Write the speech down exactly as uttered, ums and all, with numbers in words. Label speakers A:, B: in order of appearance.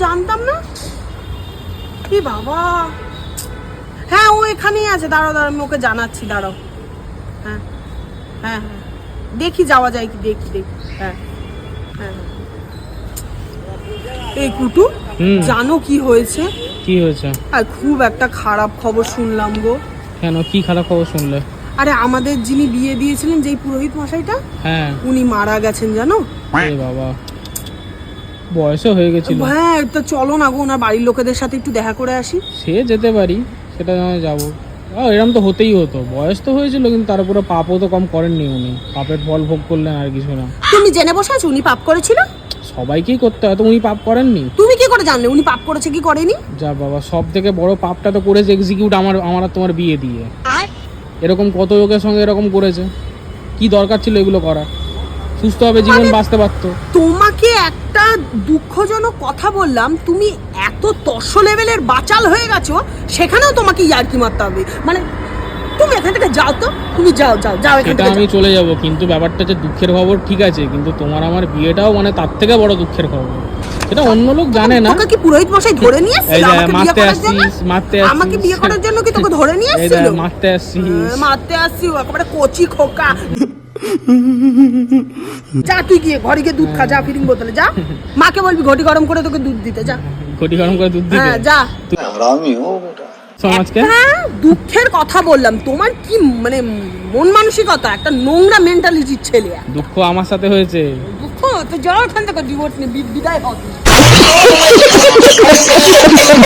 A: জানতাম না। কি বাবা, হ্যাঁ ও এখানেই আছে, দাঁড়াও দাঁড়াও আমি ওকে জানাচ্ছি, দাঁড়াও। হ্যাঁ হ্যাঁ হ্যাঁ দেখি যাওয়া যায় কি, দেখি দেখি। হ্যাঁ হ্যাঁ এই কুটু, জানো কি হয়েছে?
B: কি হয়েছে?
A: আর খুব একটা খারাপ খবর শুনলাম গো।
B: কেন, কি খারাপ খবর শুনলে?
A: আরে আমাদের যিনি বিয়ে দিয়েছিলেন, যেই পুরোহিত মশাইটা,
B: হ্যাঁ
A: উনি মারা গেছেন জানো।
B: এ বাবা, বয়সও হয়ে গেছিল।
A: হ্যাঁ তো চলো না গো, ওনার বাড়ির লোকেদের সাথে একটু দেখা করে আসি।
B: সে যেতে পারি, সেটা নয় যাবো। এরকম তো হতেই হতো, বয়স তো হয়েছিল, কিন্তু তার উপরে পাপও তো কম করেননি উনি, পাপের ফল ভোগ করলেন আর কিছু না।
A: তুমি জেনে বসে আছো উনি পাপ করেছিল?
B: সবাইকেই করতে হয় তো, উনি পাপ করেননি?
A: তুমি কি করে জানলে উনি পাপ করেছে কি করেনি?
B: যা বাবা, সব থেকে বড় পাপটা তো করেছে এক্সিকিউট আমার আমার আর তোমার বিয়ে দিয়ে। এরকম কত লোকের সঙ্গে এরকম করেছে, কি দরকার ছিল এগুলো করার? সুস্থভাবে জীবন বাঁচতে পারতো।
A: তোমাকে একটা দুঃখজনক কথা বললাম, তুমি এত তর্স লেভেলের বাচাল হয়ে গেছো, সেখানেও তোমাকে ইয়ার্কি মারতে হবে। মানে তুমি এখান থেকে যাও তো, তুমি যাও যাও যাও এখান
B: সেটা
A: থেকে
B: আমি
A: যাও।
B: চলে যাব, কিন্তু ব্যাপারটা যে দুঃখের খবর ঠিক আছে, কিন্তু তোমার আমার বিয়েটাও মানে তার থেকে বড় দুঃখের খবর। এটা অন্য লোক জানে না।
A: তোকে কি পুরোহিত মশাই ধরে নিয়ে
B: এই
A: এসেছিল
B: যে
A: আমাকে বিয়ে
B: মারতে
A: করার জন্য?
B: আসছিস, মারতে আসছিস।
A: আমাকে বিয়ে করার জন্য কি তোকে ধরে নিয়ে
B: এই যে
A: এসেছিল?
B: মারতে আসছিস।
A: হ্যাঁ, মারতে আসছি, ও একেবারে কচি খোকা। যা তুই গিয়ে ঘরে গিয়ে দুধ খা, যা ফিরিং বোতলে যা, মাকে বলবি ঘটি গরম করে তোকে দুধ দিতে, যা।
B: ঘটি গরম করে দুধ দিতে?
A: হ্যাঁ যা।
C: हरामी हो बेटा।
B: সমাজকে
A: হ্যাঁ দুঃখের কথা বললাম, তোমার কি মানে মন মানসিকতা, একটা নোংরা মেন্টালিটির ছেলে।
B: দুঃখ আমার সাথে হয়েছে।
A: দুঃখ তো যাও এখান থেকে, ডিভোর্স নিয়ে বিদায় হও।